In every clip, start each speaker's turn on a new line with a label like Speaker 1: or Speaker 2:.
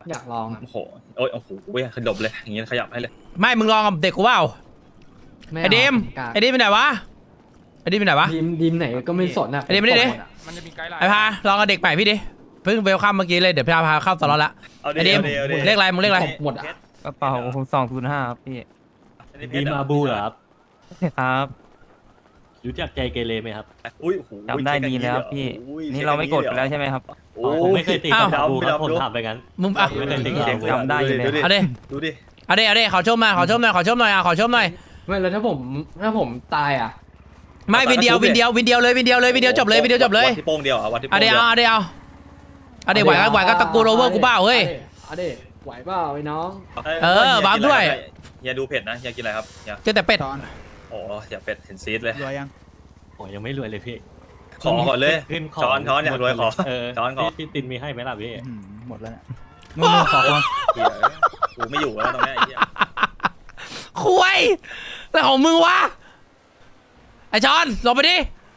Speaker 1: อยากลองอ่ะ
Speaker 2: โอ้โหโอ้ยโอ้โหเว้ยขยับเลยอย่างงี้ขยับให้เลย
Speaker 3: ไม่มึงลองกับเด็กกูเปล่า
Speaker 1: ไม่
Speaker 3: ไอ้ดิม
Speaker 1: กล้า
Speaker 3: ไอ้ดิมไปไหนวะไอ้ดิมไปไหนวะ
Speaker 1: ดีมไหนก็ไม่สนอ่ะ
Speaker 3: ไอ้ดิมไม่ได้ดิ
Speaker 4: มันจะมีไกด์ไลน์
Speaker 3: ไอ้พาลองกับเด็กใหม่พี่ดิเพิ่งเวลคัมเมื่อกี้เลยเดี๋ยวพี่พาเข้าสล็อตละ
Speaker 2: เอา
Speaker 3: ไอ้ดิม
Speaker 2: เอาดิ
Speaker 3: เลขอะไรมึงเลขอะไร
Speaker 1: หมดอ่ะ
Speaker 5: กระเป๋าผม205ครับพี่
Speaker 6: ดีมาบูเหรอครับ
Speaker 5: ครับ
Speaker 6: รู้จักใจเกเรไหมครับ
Speaker 2: อุ้ยโอ้โห
Speaker 5: จำได้ดีแล้วพี่
Speaker 2: อุ้ย
Speaker 5: นี่เราไม่กดไปแล้วใช่ไหมครับ
Speaker 2: โอ้
Speaker 6: ผมไม่เคยตีกับ
Speaker 3: อ้าว
Speaker 6: มาบูครับผมถามไปงั้น
Speaker 3: มึงอ่ะ
Speaker 6: ไม่เคยตีกับมาบู
Speaker 5: จำได้อยู่เลย
Speaker 3: เอาดิ
Speaker 2: ดูดิ
Speaker 3: เอาดิขอชมหน่อยขอชมหน่อยขอชมหน่อยขอชมหน่อย
Speaker 1: ไม่แล้วถ้าผมตายอ่ะ
Speaker 3: ไม่วินเดียวเลยวินเดียวจบเลยวินเดียวจบเลย
Speaker 2: วัดที่โป้งเดียวอ่ะวัดที่โป้
Speaker 3: เอา
Speaker 2: ง
Speaker 3: ดิ
Speaker 2: เดียว
Speaker 3: เอาดิไหวก็ตะกูโรเวอร์กูเปล่าเฮ้ย
Speaker 1: เอาดิไหวเปล่าไอ้น้อง
Speaker 3: เออบัฟด้วย
Speaker 2: อย่าดูเผ็ดนะอย่ากินอะไรครับอย่า
Speaker 3: เจอแต่เป็ด
Speaker 2: โอ้อย่าเป็ดเห็นซีดเลย
Speaker 4: รวยยัง
Speaker 6: โอ้ยังไม่รวยเลยพี่
Speaker 2: ขอก่อนเลย
Speaker 6: ขึ้นข
Speaker 2: ช้อนอยากรวยขอ
Speaker 6: เออ
Speaker 2: ช้อนขอ
Speaker 6: พี่ตินมีให้ไหมล่ะพี่
Speaker 4: หมดแล้วเนี่ยมึงขอคน
Speaker 2: เหี้ยกูไม่อยู่แล้วตรงเนี้ยไอ้เหี้ย
Speaker 3: คุยแล้วของมึงวะไอ้จอนลงไปดิ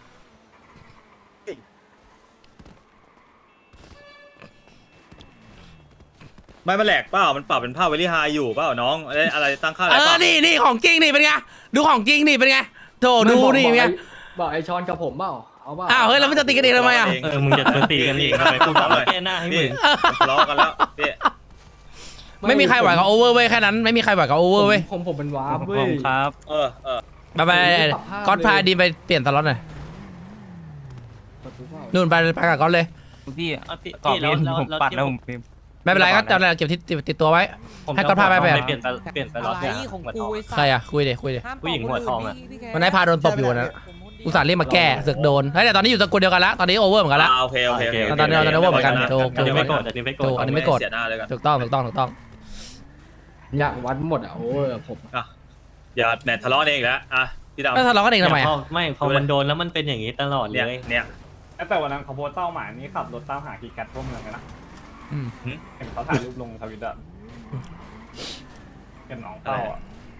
Speaker 2: ไม่มันแหลกเปล่ามันปรับเป็นภาพเวลี่ไฮอยู่เปล่าน้องอะไรตั้งค่าอะไรปรับ
Speaker 3: นี่ของจริงนี่เป็นไงดูของจริงนี่เป็นไงโถดูนี่เป็นไง
Speaker 1: บอกไอ้ชอนกับผมเปล่าเอาเปล่า
Speaker 3: อ้าวเฮ้ยแล้วมันจะตีกันเองทำไมอ่ะ
Speaker 6: เออมึงจะตีกันอีกทำไมกูทำมาแก้หน้าให้มึ
Speaker 2: พี่
Speaker 6: ง
Speaker 2: มันทะเลาะกันแล้วพี่
Speaker 3: ไม่มีใครไหวกับโอเวอร์เว้ยแค่นั้นไม่มีใครไหวกับโอเวอร์เว้ย
Speaker 1: ผมเป็นวาร์ป
Speaker 5: ผ
Speaker 1: เว้ย
Speaker 5: มครับ
Speaker 3: ไปก๊อตพาดีไปเปลี่ยนสล็อตหน่อยนู่นไปกับก๊อตเลย
Speaker 5: พี่
Speaker 6: พี่
Speaker 5: กรอบ
Speaker 6: แล้
Speaker 5: เล่
Speaker 6: วน
Speaker 5: ผมปัดแล้วผมพิมพ์
Speaker 3: ไม่เป็นไรก็จะเก็บที่ติดตัวไว้
Speaker 6: ผม
Speaker 3: ให้ก๊อตพาไปแบบ
Speaker 6: เปลี่ยนไปรถเนี่ย
Speaker 7: ของ
Speaker 6: หัวท
Speaker 7: กู
Speaker 6: อง
Speaker 7: ไอ้สั
Speaker 3: ใคร
Speaker 7: ตว์
Speaker 3: อ่ะคุยเดี๋ยว
Speaker 6: ผู้หญิงหัวทองอะ
Speaker 3: วันนั้นพาโดนตบอยู่นะอุตส่าห์เรียกมาแก้เสือกโดนเฮ้ยแต่ตอนนี้อยู่ตระกูลเดียวกันละตอนนี้โอเวอร์เหมือนกันละ
Speaker 2: โอเค
Speaker 3: ตอนนี้เราเหมือนกันถูก
Speaker 6: อันนี้ไม่โกรธอันนี้ไม่โกรธ
Speaker 3: ถูกอันนี้ไม่โกรธ
Speaker 2: เสียหน้าเลยกัน
Speaker 3: ถูกต้อง
Speaker 1: อยากวัดหมดอ่ะโอ้ยผม
Speaker 2: อย่าแหนทะเลาะเองอีกแล้วอ่ะพี่ดำ
Speaker 3: แล้วทะเลาะกันเองทำไมอ่ะ
Speaker 6: ไม่พอมันโดนแล้วมันเป็นอย่างนี้ตลอดเล
Speaker 2: เนี่ย
Speaker 6: ย
Speaker 8: แต่วันนั้นเขาโพสต์เป้าหมายนี้ขับรถตามหากีกัดทั่วเมืองเลยนะ
Speaker 3: อืม
Speaker 8: เห็นเขาถ่ายรูปลงทวิตอะเห็นน้องเป้าอะ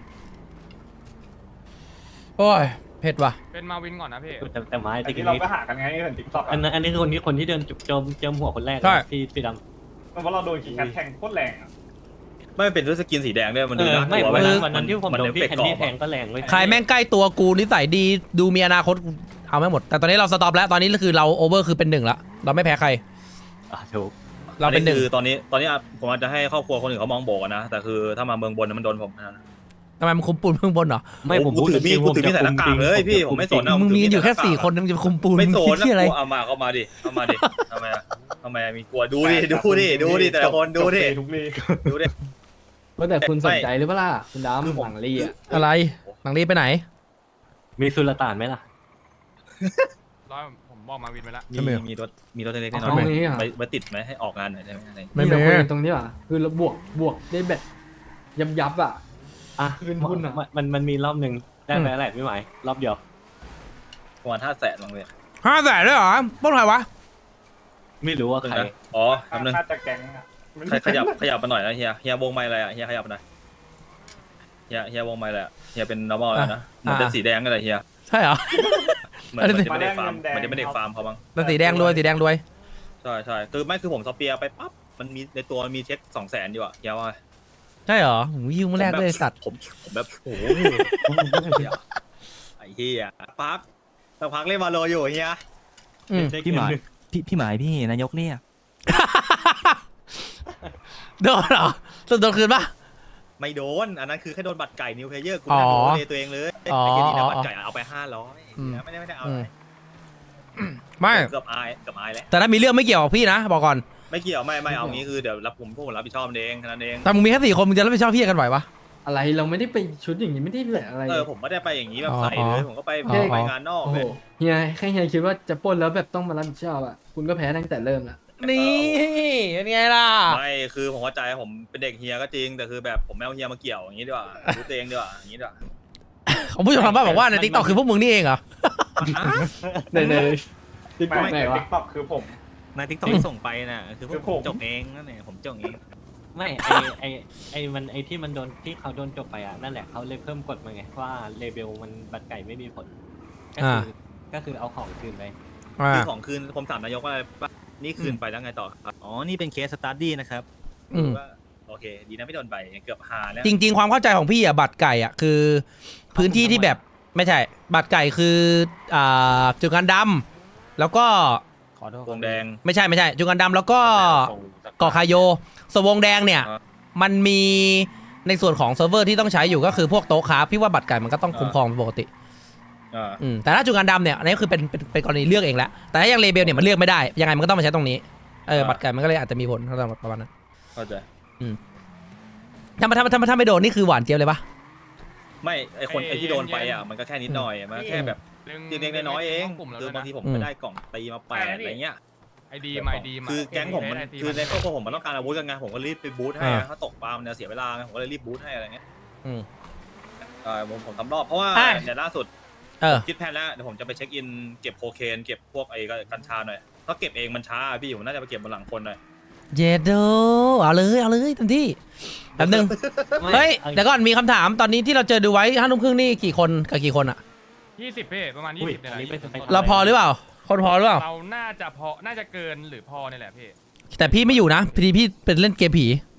Speaker 3: โอ้ยเผ็ดว่ะ
Speaker 4: เป็นมาวินก่อนนะพี่
Speaker 6: แต่ไม้
Speaker 8: แต่
Speaker 6: ตะกี้
Speaker 8: ที่เรา
Speaker 6: นี้
Speaker 8: ก็หากันไงเห็นติ๊กต็อก
Speaker 6: อันนี้คนที่เดินเจิมหัวคนแรกพี่ดำ
Speaker 8: เพราะเราโดนกีกัดแทงโคตรแรงอะ
Speaker 2: ไม่เป็นด้วยสกินสีแดงด้วยมันดูน่าก
Speaker 6: ไม่
Speaker 2: ลัว
Speaker 6: วันนั้นที่ผมโดนพี่แคนดี้แทงก็แรงเว้ย
Speaker 3: ใครแม่งใกล้ตัวกูนิสัยดีดูมีอนาคตเอาไม่หมด แต่ตอนนี้เราสต็อปแล้วตอนนี้คือเราโอเวอร์คือเป็นหนึ่งละเราไม่แพ้ใคร
Speaker 6: ถูก
Speaker 3: เราเป็นหนึ่ง
Speaker 2: คือตอนนี้ผมอาจจะให้ครอบครัวคนอื่นเขามองโบกนะแต่คือถ้ามาเมืองบนมันโดนผมนะ
Speaker 3: ทำไมมึงคุมปูนเพิ่งบนเหรอ
Speaker 6: ไม่ผมพูด
Speaker 2: กูถือมีดใส่หน้ากากเลยพี่ผมไม่สน
Speaker 3: มึงมีกันอยู่แค่4 คนมึงจะคุมปูน
Speaker 2: ไม่สน
Speaker 3: ที่อะไร
Speaker 2: เอามาเข้ามาดิทำไมมีกลัวดูดิแต่ละคนดูดิ
Speaker 8: ทุกลี
Speaker 2: ดูดิ
Speaker 1: แต่คุณสนใจหรือเปล่าคุณดำหวังลีอ่ะ
Speaker 3: อะไรหลังรีไปไหน
Speaker 6: มีสุลต่านไหมล่ะ
Speaker 4: ร้อยผมบอกมาวินไปแล้ว
Speaker 2: มีรถเล็กๆน้
Speaker 1: เอา
Speaker 2: อย
Speaker 1: งี้อ่ะ
Speaker 2: ๆไปติดไหมให้ออกงานหน่อยได้ไหมอะไร
Speaker 3: ไม่
Speaker 1: นี่
Speaker 3: มี
Speaker 1: เราคุยกันตรงนี้ว่ะคือเราบวกได้แบบยับอ่ะ
Speaker 6: อ่ะ
Speaker 1: คืนทุนอะ
Speaker 6: มันมีรอบหนึ่งได้ไหมอะไรไม่ไหวรอบเดียว
Speaker 2: ประมาณ500,000บางเลย
Speaker 3: 500,000ด้วยเหรอปล้นใครวะ
Speaker 6: ไม่รู้ว่าใคร
Speaker 2: อ๋อคำนึง
Speaker 8: น่าจะแก๊งอะ
Speaker 2: ขยับมาหน่อยนะเฮียวงไม้อะไรอ่ะเฮียขยับมาหน่อยเฮียวงไม้อะไรอ่ะเฮียเป็น normal แล้วนะมันเป็นสีแดงกันเลยเฮีย
Speaker 3: ใช่เหรอ
Speaker 2: เหมือนจะไม่ได้ฟาร์มมันจะไม่ได้ฟาร์มเขาบ้าง
Speaker 3: แต่สีแดงรวย
Speaker 2: ใช่คือผมสเปียร์ไปปั๊บมันมีในตัวมีเช็ค200,000อยู่อ่ะเฮียว่า
Speaker 3: ใช่เหรอหูยิงมาแรกเลยสัตว์
Speaker 2: ผมแบบโอ้โหไอ้เฮียสักพักเล่นมาโลอยู่เฮีย
Speaker 3: อืม
Speaker 5: พี่หมายพี่หมายพี่นายกเรียก
Speaker 3: โดนเหรอโดนคืนปะ
Speaker 2: ไม่โดนอันนั้นคือแค่โดนบัตรไก่นิวเพลเยอร์กู
Speaker 3: อ๋อ
Speaker 2: นั่งดูเลยตัวเองเลย
Speaker 3: อ๋อ
Speaker 2: ไอ้เฮียนี่นะบัตรไก่เอาไป500
Speaker 3: อืม
Speaker 2: ไม่ได้เอาอะไร
Speaker 3: ไม่
Speaker 2: เกือบอายแล้ว
Speaker 3: แต่ถ้ามีเรื่องไม่เกี่ยวกับพี่นะบอกก่อน
Speaker 2: ไม่เกี่ยวไม่เอางี้คือเดี๋ยวพวกผมรับผิดชอบเองแค่นั้นเอง
Speaker 3: แต่มึงมีแค่4 คนมึงจะรับผิดชอบพี่กันไหวปะ
Speaker 1: อะไรเราไม่ได้ไปชุดอย่างนี้ไม่ได้แบบอะไร
Speaker 2: ผมไม่ได้ไปอย่างนี้แบบใส่
Speaker 3: อ๋อ
Speaker 2: เลยผมก็ไป
Speaker 3: อ๋อ
Speaker 2: ไปงานนอก
Speaker 1: โอ้โห
Speaker 2: เลย
Speaker 1: เฮียแค่เฮียคิดว่าจะปล้นแล้วแบบต้องมารับผิดชอบอ่ะคุณก็แพ้ตั้งแต่เริ่มละ
Speaker 3: นี่เป็นไงล่ะ
Speaker 2: ไม่คือผมเข้าใจผมเป็นเด็กเฮียก็จริงแต่คือแบบผมไม่เอาเฮียมาเกี่ยวอย่างนี้ดีกว่ารู้ตัวเองดีกว่าอย่างนี้ดีกว่า
Speaker 3: ของผู้ชมทางบ้านบอกว่าในทิกตอกคือพวกมึงนี่เองเหรอ
Speaker 1: ในติ๊กต็อก
Speaker 8: ไม่
Speaker 1: ไหน
Speaker 8: ใน
Speaker 1: วะ
Speaker 8: ติ๊กต็อกคือผม
Speaker 2: ในทิกตอกส่งไปน่ะคือผมจบเองนั่นเองผมจบเอง
Speaker 6: ไม่ไอที่มันโดนที่เขาโดนจบไปอ่ะนั่นแหละเขาเลยเพิ่มกฎมาไงว่าเลเบลมันบัตรไก่ไม่มีผลก็คือเอาของคืนไป
Speaker 2: คือของคืนผมถามนายกว่าอะไรนี่คืนไปแล้วไงต่อครับอ๋อนี่เป็นเคสสตาร์ดี้นะครับ
Speaker 3: อืม
Speaker 2: ว่าโอเค ดีนะไม่โดนใบเกือบหาแล้ว
Speaker 3: จริง ๆ ความเข้าใจของพี่อ่ะบัตรไก่อ่ะคือพื้นที่ที่แบบไม่ใช่ บัตรไก่คือจุดงานดำแล้วก็
Speaker 6: ขอโทษ
Speaker 2: วงแดง
Speaker 3: ไม่ใช่จุดงานดำแล้วก็เกาะคาโยสวงแดงเนี่ย
Speaker 2: อ่า
Speaker 3: มันมีในส่วนของเซิร์ฟเวอร์ที่ต้องใช้อยู่ก็คือพวกโต๊ะค้าพี่ว่าบัตรไก่มันก็ต้องคุ้มครองเป็นปกติ
Speaker 2: อ่า
Speaker 3: แต่ถ้าจุดงานดำเนี่ยอันนี้คือเป็นกรณีเลือกเองแล้วแต่ถ้ายังเลเบลเนี่ยมันเลือกไม่ได้ยังไงมันก็ต้องมาใช้ตรงนี้บัตรไก่มันก็เลยอาจจะมีผลเท่านั้นประมาณนั้น
Speaker 2: เข้าใจ
Speaker 3: ถ้าไม่โดนนี่คือหวานเจี๊ยบเลยปะ
Speaker 2: ไม่ไอคนไอที่โดนไปอ่ะมันก็แค่นิดหน่อยมันก็แค่แบบเล็กๆน้อยๆเอง
Speaker 4: กลุ่มแล้ว
Speaker 2: คือ
Speaker 4: ด้วย
Speaker 2: บางที
Speaker 4: นะ
Speaker 2: ผมไปได้กล่องตีมา8อะไรเงี้ย
Speaker 4: ไอดีมาไอดีมา
Speaker 2: คือแก๊งผมมันคือในครอบครัวผมมันต้องการอาวุธกันไงผมก็รีบไปบูทให้อะถ้าตกปลามันจะเสียเวลาไงผมก็เลยรีบบูทให้อะไรเงี้ย
Speaker 3: อืม
Speaker 2: ผมทำรอบเพราะว่า
Speaker 3: อ่ะ
Speaker 2: เนี่ยล่าสุด
Speaker 3: เออ
Speaker 2: คิดแผนแล้วเดี๋ยวผมจะไปเช็คอินเก็บโคเคนเก็บพวกไอ้กัญชาหน่อยถ้าเก็บเองมันช้าพี่ผมน่าจะไปเก็บบนหลังคนหน่อย
Speaker 3: เยโดเอาเลยเต็มที่แป๊บนึง เฮ้ยเดี๋ยวก่อนมีคำถามตอนนี้ที่เราเจอดูไว้5 ทุ่มครึ่งนี่กี่คนกับกี่คนอะ
Speaker 4: 20พี่ประมาณ
Speaker 6: อุ้ย
Speaker 4: 20เนี่ย
Speaker 6: อันนี้
Speaker 4: แห
Speaker 6: เป็น
Speaker 4: ละ
Speaker 3: เราพอหรือเปล่า คนพอหรือเปล่า
Speaker 4: เราน่าจะเกินหรือพอเนี่ยแหละพี่
Speaker 3: แต่พี่ไม่อยู่นะพี่เป็นเล่นเกมผี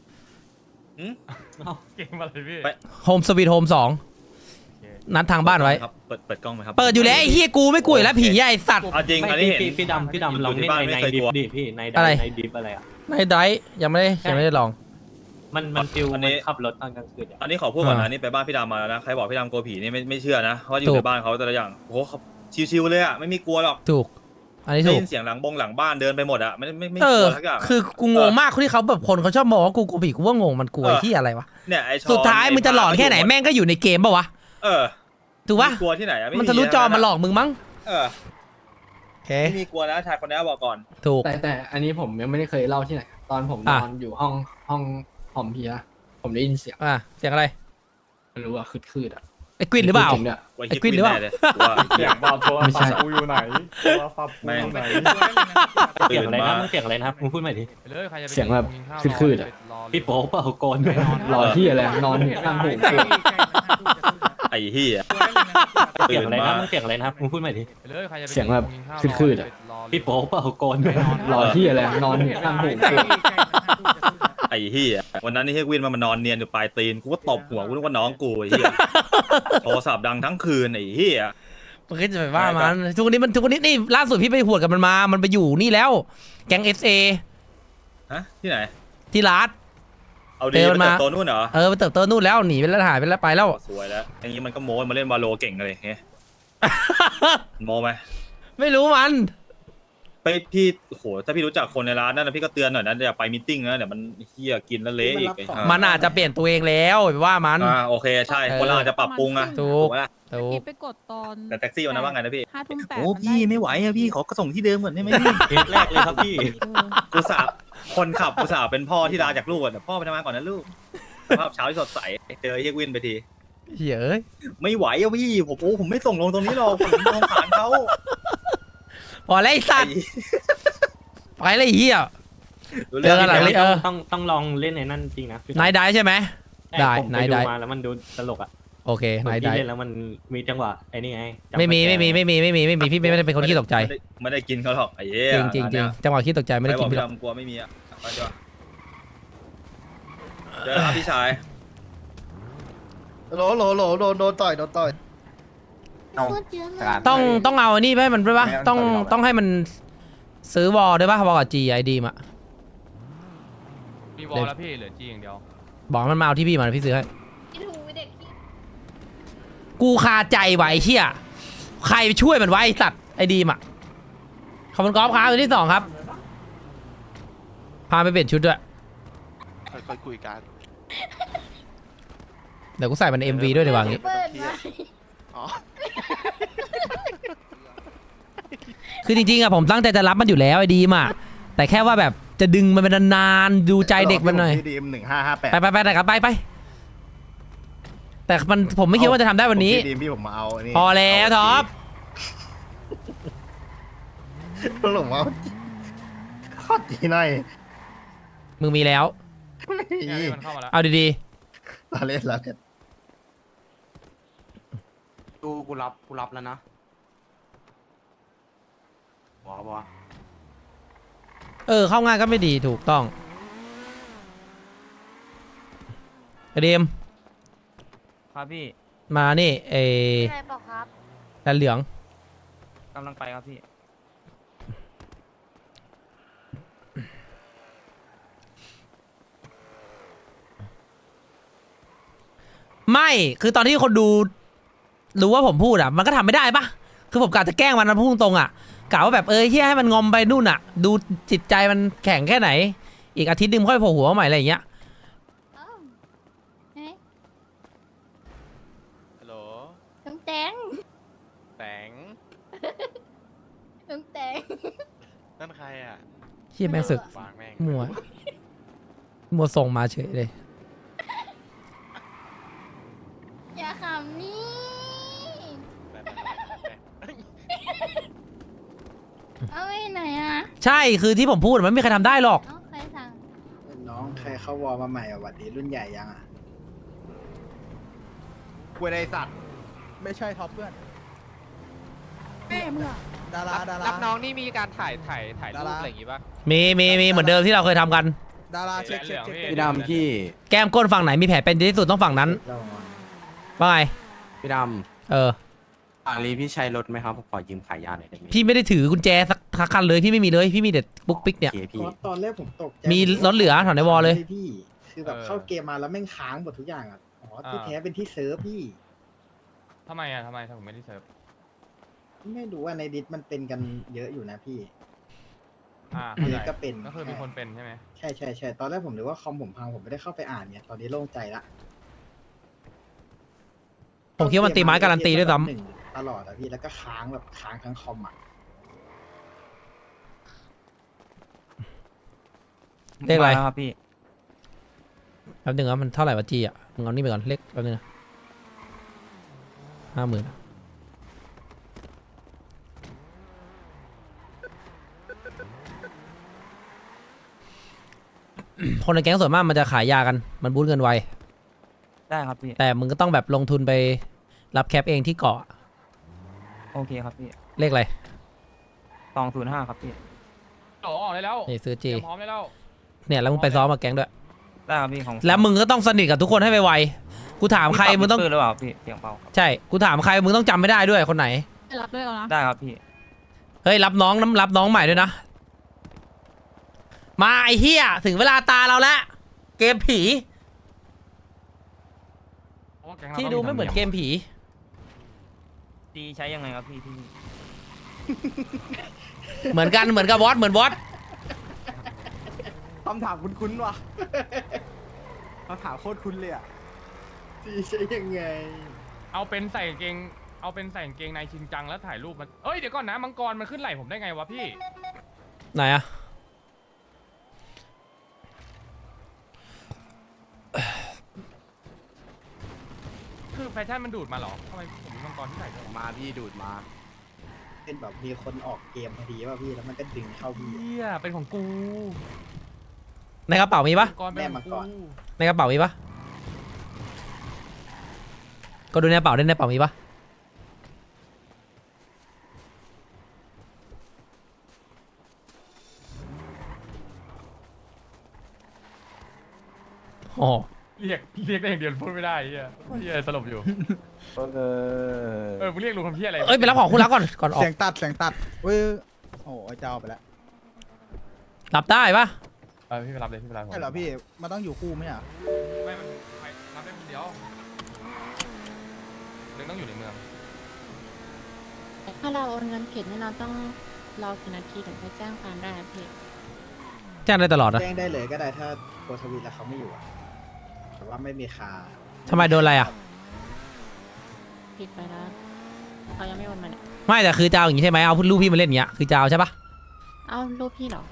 Speaker 4: เก่งมาเลยพี่
Speaker 2: ไป
Speaker 3: โฮมสวีทโฮม2นัดทางบ้านไว้
Speaker 2: ครับเปิดกล้องไหมครับ
Speaker 3: เปิดอยู่แล้วไอ้เฮียกูไม่กลัวอยู่แล้วผีไอ้สัตว์
Speaker 2: เอาจริง
Speaker 6: ไม่
Speaker 2: อันนี้เห็น
Speaker 6: พี่ดำลองเล่น
Speaker 2: บ้าน
Speaker 6: ใน
Speaker 2: ไม่เคย
Speaker 6: ดิ
Speaker 2: ก
Speaker 6: ฟ
Speaker 2: ลัว
Speaker 6: ดิพี่ใน
Speaker 3: อะไร
Speaker 6: ในดิฟอะไรอ่ะ
Speaker 3: ในไดร์ยังไม่ได้ลอง
Speaker 6: มันฟิล
Speaker 2: อัน
Speaker 6: มั
Speaker 2: นี้
Speaker 6: นขับรถตอนกลางคืนอะ
Speaker 2: อันนี้ขอพูดก่อน
Speaker 3: อ่า
Speaker 2: นะนี่ไปบ้านพี่ดำมาแล้วนะใครบอกพี่ดำกลัวผีนี่ไม่เชื่อนะเพราะอ
Speaker 3: ถู
Speaker 2: ยู่
Speaker 3: ก
Speaker 2: ในบ้านเขาแต่ละอย่างโอ้โหเขาชิวๆเลยอ่ะไม่มีกลัวหรอก
Speaker 3: ถูก อันนี้
Speaker 2: ได้
Speaker 3: ถูก
Speaker 2: ยินเสียงหลังบ้านเดินไปหมดอ่ะไม่ก
Speaker 3: เออ
Speaker 2: ลัวสักอย่าง
Speaker 3: คือกูงงมากที่เขาแบบคนเขาชอบมองว่ากูกลัวผีกูว่างงมันกลัวไอ้ที่อะไรวะ
Speaker 2: เนี่ยไอชอน
Speaker 3: สุดท้ายมึงจะหลอนแค่ไหนแม่งก็อยู่ในเกมปะวะ
Speaker 2: เออ
Speaker 3: ถูกปะ
Speaker 2: ไม่กลัวที่ไหนอะไ
Speaker 3: มันทะลุจอมาหลอกมึงมั้ง
Speaker 2: เออ
Speaker 3: โอเค
Speaker 2: ไม่มีกลัวนะชายคนนี้บอกก่อน
Speaker 3: ถูก
Speaker 1: แต่อันนี้ผมยังไม่ได้เคยเล่าที่ไหน ตอนผมน
Speaker 3: อ่ะ
Speaker 1: อนอยู่ห้องหอมเพียผมได้ยินเสียง
Speaker 3: เสียงอะไร
Speaker 1: ไม่รู้ว่าคืดๆอ่ะ
Speaker 3: ไอ้กวินหรือเปล่า
Speaker 1: จงๆเนี่ย
Speaker 2: ไว้
Speaker 3: ไอ้กวินหรือเปล่า
Speaker 2: แเลยกูว่า
Speaker 8: เสียงบอกโทร
Speaker 1: ไม่ใช่
Speaker 8: ศัพท์กูอยู่ไหนโทรศัพท์กูอยู่ไหน
Speaker 6: เสียงอะไรนะมันเสียงอะไรนะครับมึงพูดใหม่ดิ
Speaker 4: ไปเลยใครจะไป
Speaker 1: เสียงแบบ
Speaker 4: กินข้าว
Speaker 1: คืดๆอะ
Speaker 4: รอเลย
Speaker 6: พี่โป๊เปล่าโกน
Speaker 1: รอที่อะไรนอนอยู่ข้างหู
Speaker 2: ไอ้เหี้ย
Speaker 6: เสียงอะไรนะมันเสียงอะไรนะครับมึงพูดใหม่ดิ
Speaker 4: ไปเลยใครจะไป
Speaker 1: เสียงแบบ
Speaker 4: กินข้าว
Speaker 1: คืดๆอะ
Speaker 4: รเลย
Speaker 6: พี่โป๊เปล่าโกน
Speaker 1: รอที่อะไรนอนอยู่ข้างหู
Speaker 2: ไอ้เหี้ยวันนั้นนี่เฮียวินมันนอนเนียนอยู่ปลายตีนกูก็ตบหัวกูนึกว่าน้องกูไอ้เหี้ยโทรศัพท์ดังทั้งคืนไอ้เหี้ย
Speaker 3: มันก็จะไปว่ามันทุกวันนี้นี่ล่าสุดพี่ไปหวดกับมันไปอยู่นี่แล้ว แก๊ง SA
Speaker 2: ฮะที่ไหน
Speaker 3: ที่ร้าน
Speaker 2: เอาดี
Speaker 3: เดิน
Speaker 2: ไป
Speaker 3: มา
Speaker 2: เติบโตนู่นเหรอ
Speaker 3: ไปเติบโตนู่นแล้วหนีไปแล้วหายไปแล้วไปแล้ว
Speaker 2: สวยแล้วอย่างนี้มันก็โม้มาเล่นวาโลเก่งเลยเฮ้ยโม้ไหม
Speaker 3: ไม่รู้มัน
Speaker 2: ไปพี่โอ้โหถ้าพี่รู้จักคนในร้านนั่นนะพี่ก็เตือนหน่อยนะอย่าไปมีตติ้งนะเดี๋ยวมันเฮียกินแล้วเละอีกไอ้ห่า
Speaker 3: มันอาจจะเปลี่ยนตัวเองแล้วไปว่ามัน
Speaker 2: โอเคใช่คนเราอาจจะปรับปรุงอะ
Speaker 3: ถูก
Speaker 2: ไหมล่ะ
Speaker 3: ถูก
Speaker 7: ไปกดตอน
Speaker 2: แต่แท็กซี่วันนั้นว่าไงนะพี่
Speaker 7: 5 ทุ่ม 8
Speaker 2: โอ้พี่ไม่ไหวอะพี่ขอกระส่งที่เดิมก่อนได้ไหมพี่
Speaker 6: เคสแรกเลยครับพี่
Speaker 2: กูสาบคนขับกูสาบเป็นพ่อที่ลาจากลูกอะเดี๋ยวพ่อไปทำงานก่อนนะลูกสภาพเช้าที่สดใสเจอเฮียวินไปที
Speaker 3: เหี้ยเอ้ย
Speaker 2: ไม่ไหวอะพี่ผมไม่ส่งลงตรงนี้หรอกผมสงสารเขา
Speaker 3: พอแล้วไอ้สัตว์ไปเลยไอ้เหี้ย
Speaker 2: รู้
Speaker 3: เจอกันหลัง
Speaker 2: ไหม
Speaker 3: เลย
Speaker 6: ต้องลองเล่นในนั่นจริงนะ
Speaker 3: นายได้ใช่ไหม ได้
Speaker 6: ผมไป
Speaker 3: นาย
Speaker 6: ดู
Speaker 3: ได้
Speaker 6: มาแล้วมันดูตลกอ่ะ
Speaker 3: โอเคน
Speaker 6: คน
Speaker 3: าย
Speaker 6: ที่
Speaker 3: ได้
Speaker 6: เล่นแล้วมันมีจังหวะไอ้นี่ไงจังหวะ
Speaker 3: ไม่มี
Speaker 6: แก
Speaker 3: พี่ไม่ได้เป็นคนขี้ตกใจ
Speaker 2: ไม่ได้กินเขาหรอกไอ้เหี้ย
Speaker 3: จริงจังหวะขี้ตกใจไม่ได้กิน
Speaker 2: ใคร
Speaker 3: พี่
Speaker 2: บ
Speaker 3: หร
Speaker 2: อ
Speaker 3: อก
Speaker 2: พี่ดำกลัวไม่มีอะไปดีกว่าเจอครับพี่ชาย
Speaker 9: โหลโดนต่อย
Speaker 7: พูดเยอะเลย
Speaker 3: ต้องเอาอันนี้ไปให้มันด้วยปะต้องให้มันซื้อวอลด้วยปะวอลกับ GID มา
Speaker 4: มีวอลแล้วพี่เหลือจีอย่างเดียว
Speaker 3: บอกมันมาเอาที่พี่มาพี่ซื้อให้
Speaker 7: ไอ้ถูเด็กที่
Speaker 3: กูคาใจไว้เชี่ยใครช่วยมันไว้ไอ้สัตว์ไอ้ดีมอ่ะขอบคุณกอล์ฟครับตัวที่2ครับพาไปเปลี่ยนชุดด้วย
Speaker 9: ค่อยคุยกัน
Speaker 3: เดี๋ยวกูใส่มันใน MV ด้วยดีกว่างี้
Speaker 7: เปิดมา
Speaker 9: อ๋อ
Speaker 3: คือจริงๆอะผมตั้งใจจะรับมันอยู่แล้วไอ้ดีมอ่ะแต่แค่ว่าแบบจะดึงมันเป็นนานๆดูใจเด็กมันหน่อย
Speaker 9: ดีม1558
Speaker 3: ไปแต่ครับไปแต่มันผมไม่คิดว่าจะทำได้วันนี้
Speaker 9: ดีมพี่ผมมาเอาอันนี้
Speaker 3: พอแล้วท็อป
Speaker 9: ผมเอาขอดีหน่อย
Speaker 3: มึงมีแล้ว
Speaker 4: เนี่ยพี่มันเข้ามาแล้ว
Speaker 3: เอาดี
Speaker 9: เราเล่น
Speaker 5: กูรับแล้วนะ
Speaker 3: ๆเข้าง่ายก็ไม่ดีถูกต้องไอเดม
Speaker 4: ครับพี่
Speaker 3: มานี่ไอ
Speaker 7: อะไรบอกครับ
Speaker 3: แลนเหลือง
Speaker 4: กำลังไปครับพี่
Speaker 3: ไม่คือตอนที่คนดูรู้ว่าผมพูดอ่ะมันก็ทำไม่ได้ปะคือผมกะจะแกล้งมันนะพูดตรงๆอ่ะกะว่าแบบเฮียให้มันงอมไปนู่นอ่ะ ดูจิตใจมันแข็งแค่ไหน อีกอาทิตย์หนึงค่อยโผล่หัวมาใหม่อะไรอย่างเงี้ย
Speaker 7: อ้าวเฮ้ย
Speaker 4: ฮัลโหล
Speaker 7: ลุงแตง
Speaker 4: แตง
Speaker 7: ลุงแตง
Speaker 4: นั่นใครอ่ะ
Speaker 3: เฮียแม่งสึก
Speaker 4: วางแม่ง
Speaker 3: มัวส่งมาเฉยเลย
Speaker 7: อย่าขำนี่ เอาไว้ไหนอ่ะ
Speaker 3: ใช่คือที่ผมพูดมันไม่มีใครทำได้หรอก
Speaker 7: เอาใครสั่ง
Speaker 9: น้องใครเข้าวอลมาใหม่อ่ะหวัดดีรุ่นใหญ่ยังอ่ะคุยอะไรสัตว์ ไม่ใช่ท็อปเพื่อนแม่เมื่อดาราดารา
Speaker 4: รับน้องนี่มีการถ่ายรูปอะไรอย่างงี้ป่ะ
Speaker 3: มีเหมือนเดิมที่เราเคยทำกัน
Speaker 9: ดาราเช็ค
Speaker 5: พี่ดำพี่
Speaker 3: แก้มก้นฝั่งไหนมีแผลเป็นที่สุดต้องฝั่งนั้นว่าไง
Speaker 5: พี่ด
Speaker 3: เออ
Speaker 5: ำอาลีพี่ใช้รถไหมครับผมขอยืมขายยาหน่อยได้ไหม
Speaker 3: พี่ไม่ได้ถือกุญแจสักคันเลยพี่ไม่มีเลยพี่มีแต่ปุ๊กปิ๊กเนี่ย
Speaker 5: โอเคพี่
Speaker 9: ตอนแรกผมตกใจ
Speaker 3: มีรถเหลือถอนในวอลเลย
Speaker 9: พี่คือแบบเข้าเกมมาแล้วแม่งค้างหมดทุกอย่างอ่ะอ๋อที่แท้เป็นที่เซิร์ฟพี่
Speaker 4: ทำไมผมไม่ได้เซิร์ฟ
Speaker 9: ไม่รู้ว่าในดิสมันเป็นกันเยอะอยู่นะพี่
Speaker 4: เข้าใจ
Speaker 9: ก็เป็น
Speaker 4: ก็คือมีคนเป็นใช่ไหม
Speaker 9: ใช่ตอนแรกผมนึกว่าคอมผมพังผมไม่ได้เข้าไปอ่านเนี่ยตอนนี้โล่งใจละ
Speaker 3: ผมคิดว่ามันตีไม้การันตีด้วยซ้
Speaker 9: หนึ่งตลอดอะพี่แล้วก็ค้างแบบค้างทั้งคอมอ่ะ
Speaker 3: ำเลขอะไร
Speaker 4: ครับพี่
Speaker 3: แป๊บนึงว่ามันเท่าไหร่วะจีอ่ะมึงเอานี่ไปก่อนเลขแป๊บนึงนะ50,000คนในแก๊งส่วนมากมันจะขายยากันมันบูทเงินไว
Speaker 4: ได้ครับพี่
Speaker 3: แต่มึงก็ต้องแบบลงทุนไปรับแคปเองที่เกาะ
Speaker 4: โอเคครับพี่
Speaker 3: เลขอะไร
Speaker 4: 205ครับพี่ออกได้แล้ว
Speaker 3: นี่ซื้อจี
Speaker 4: พร้อมได้แล้ว
Speaker 3: เนี่ยแล้วมึงไปซ้อมมาแก๊งด้วย
Speaker 4: ได้ครับพี่ของ
Speaker 3: แล้วมึงก็ต้องสนิทกับทุกคนให้ไวๆกูถามใครมึงต้อง
Speaker 4: หรือเปล่าพี่เสียงเบา
Speaker 3: ใช่กูถามใครมึงต้องจำไม่ได้ด้วยคนไหน
Speaker 7: รับด้วยแล้วนะ
Speaker 4: ได้ครับพี่
Speaker 3: เฮ้ยรับน้องใหม่ด้วยนะ มาไอ้เฮียถึงเวลาตาเราแล้วเกมผีที่ดูไม่เหมือนเกมผี
Speaker 4: ดีใช้ยังไงครับพี่
Speaker 3: เหมือนกันเหมือนกับวอตเหมือนวอต
Speaker 5: คำถามคุ้นๆว่ะคำถามโคตรคุ้นเลยอ่ะ
Speaker 9: พี่ใช่ยังไง
Speaker 4: เอาเป็นใส่กางเกงในชินจังแล้วถ่ายรูปมันเอ้ยเดี๋ยวก่อนนะมังกรมันขึ้นไหล่ผมได้ไงวะพี่
Speaker 3: ไหนอะ
Speaker 4: คือแฟชั่นมันดูดมาเหรอทำไมผมมีมังกรที่ใส่ด้วยวะ
Speaker 5: มาพี่ดูดมา
Speaker 9: เป็นแบบมีคนออกเกมพอดีป่ะพี่แล้วมันก็ดึงเข้าพี่
Speaker 4: เฮียเป็นของกู
Speaker 3: ในกระเป๋ามีปะ
Speaker 4: มังกรเป็นของกู
Speaker 3: ในกระเป๋ามีปะก็ดูในกระเป๋าด้วยในกระเป๋ามีปะโอ้
Speaker 4: เรียกได้อย่างเดียวพูดไม่ได้เฮียสลบอยู่มึงเรียกลุงคำเฮียอะไร
Speaker 3: เอ้ยไปรับของคุณรักก่อนออก
Speaker 9: เสียงตัดเว้ยโอ้ยเจ้าไปแล้ว
Speaker 3: รับได้ปะ
Speaker 4: พี่ไปรับเลยพี่ไปรับ
Speaker 9: ใช่เหรอพี่มันต้องอยู่คู่ไหมอ่ะ
Speaker 4: ไม่รับได้คนเดียวเรื่องต้องอยู่ในเมือง
Speaker 7: ถ้าเราโอนเงินผิดนี่เราต้องรอกี่นาทีถึงจะแจ้งความได้อะพี่
Speaker 3: แจ้งได้ตลอดนะ
Speaker 9: แจ้งได้เลยก็ได้ถ้าโคทวีแล้วเขาไม่อยู่อะแต่ว่าไม่มีคา
Speaker 3: ทำไมโดนอะไรอะ
Speaker 7: ผิดไปแล้วเขายังไม่โอนมาเนี่ย
Speaker 3: ไม่แต่คือจะเอาอย่างนี้ใช่ไหมเอารูปพี่มาเล่นอย่างเงี้ยคือจะเอาใช่ปะ
Speaker 7: เอารูปพี่เหรอ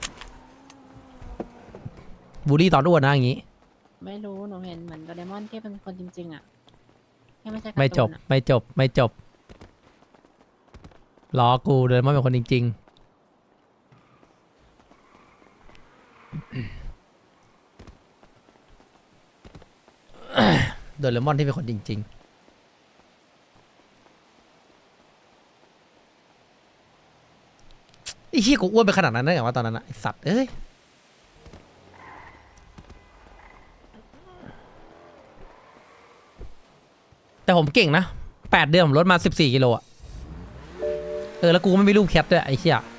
Speaker 3: บูลลี่ตอนอ้วนนะอย่างงี้
Speaker 7: ไม่รู้หนูเห็นเหมือนโดเรมอนที่เป็นคนจริงๆอ่ะที่ไม่ใช่การ์
Speaker 3: ไม่จ
Speaker 7: ตู
Speaker 3: บ
Speaker 7: นอะ
Speaker 3: ไม่จบล้อกูเดินมาเป็นคนจริงๆ โดเรมอนที่เป็นคนจริงๆไอ้เหี้ยกูอ้วนไปขนาดนั้นได้ไงวะตอนนั้นอะไอ้สัตว์เอ้ยแต่ผมเก่งนะ8 เดือนผมลดมา14 กิโลอะแล้วกูก็ไม่มีลูกแคทด้วยไอ้เหี้ย